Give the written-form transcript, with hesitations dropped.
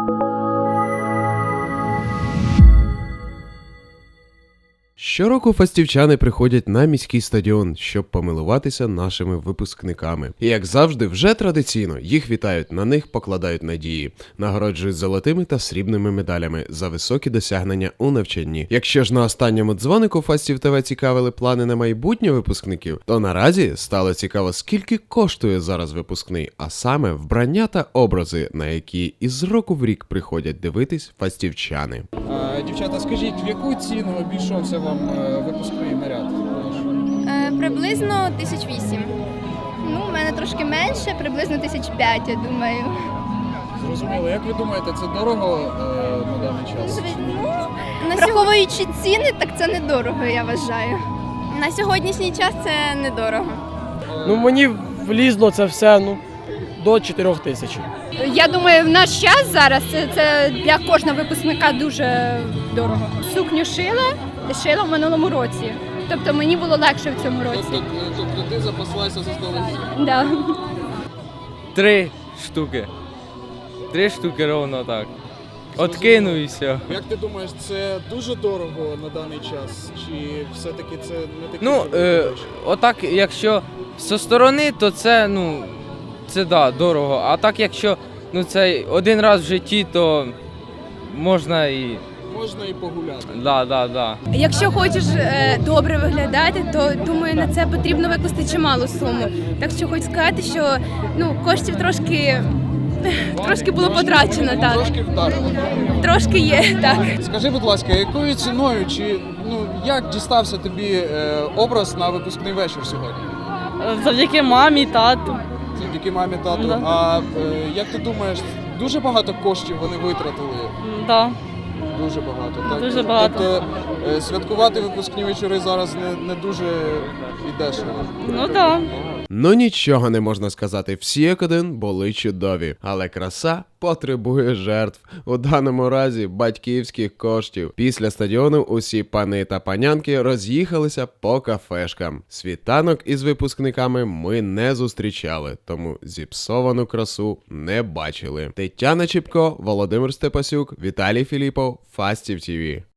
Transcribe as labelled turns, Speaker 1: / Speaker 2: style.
Speaker 1: Щороку фастівчани приходять на міський стадіон, щоб помилуватися нашими випускниками. І як завжди, вже традиційно їх вітають, на них покладають надії, нагороджують золотими та срібними медалями за високі досягнення у навчанні. Якщо ж на останньому дзвонику Фастів ТВ цікавили плани на майбутнє випускників, то наразі стало цікаво, скільки коштує зараз випускний, а саме вбрання та образи, на які із року в рік приходять дивитись фастівчани.
Speaker 2: Дівчата, скажіть, в яку ціну обійшовся вам випускний наряд?
Speaker 3: Приблизно 1008. Ну, у мене трошки менше, приблизно 1005, я думаю.
Speaker 2: Зрозуміло. Як ви думаєте, це дорого на даний час?
Speaker 3: Враховуючи ціни, так це недорого, я вважаю. На сьогоднішній час це недорого.
Speaker 4: Ну, мені влізло це все, до 4 тисяч.
Speaker 5: Я думаю, в наш час зараз це для кожного випускника дуже дорого. Сукню шила в минулому році. Тобто мені було легше в цьому році.
Speaker 2: Тобто ти запаслася за столицю?
Speaker 5: Да.
Speaker 6: 3 штуки. 3 штуки ровно так. Откину і все.
Speaker 2: Як ти думаєш, це дуже дорого на даний час? Чи все-таки це не такі
Speaker 6: Ну,
Speaker 2: гроші?
Speaker 6: отак, якщо зі сторони, то це, це да, дорого. А так, якщо це один раз в житті, то можна і...
Speaker 2: Можна і погуляти.
Speaker 6: Да.
Speaker 5: Якщо хочеш добре виглядати, то думаю, на це потрібно викласти чималу суму. Так що хочу сказати, що коштів трошки було потрачено, так.
Speaker 2: Трошки вдарило.
Speaker 5: Трошки є, так.
Speaker 2: Скажи, будь ласка, якою ціною, чи як дістався тобі образ на випускний вечір сьогодні?
Speaker 7: Завдяки мамі, тату.
Speaker 2: Завдяки мамі, тату.
Speaker 7: Да.
Speaker 2: А як ти думаєш, дуже багато коштів вони витратили?
Speaker 7: Да.
Speaker 2: Дуже багато. Так?
Speaker 7: Дуже багато.
Speaker 2: Тобто святкувати випускні вечори зараз не дуже і дешево.
Speaker 7: Ну да.
Speaker 1: Ну нічого не можна сказати, всі як один були чудові, але краса потребує жертв, у даному разі батьківських коштів. Після стадіону усі пани та панянки роз'їхалися по кафешкам. Світанок із випускниками ми не зустрічали, тому зіпсовану красу не бачили. Тетяна Чіпко, Володимир Степасюк, Віталій Філіпов, Фастів ТВ.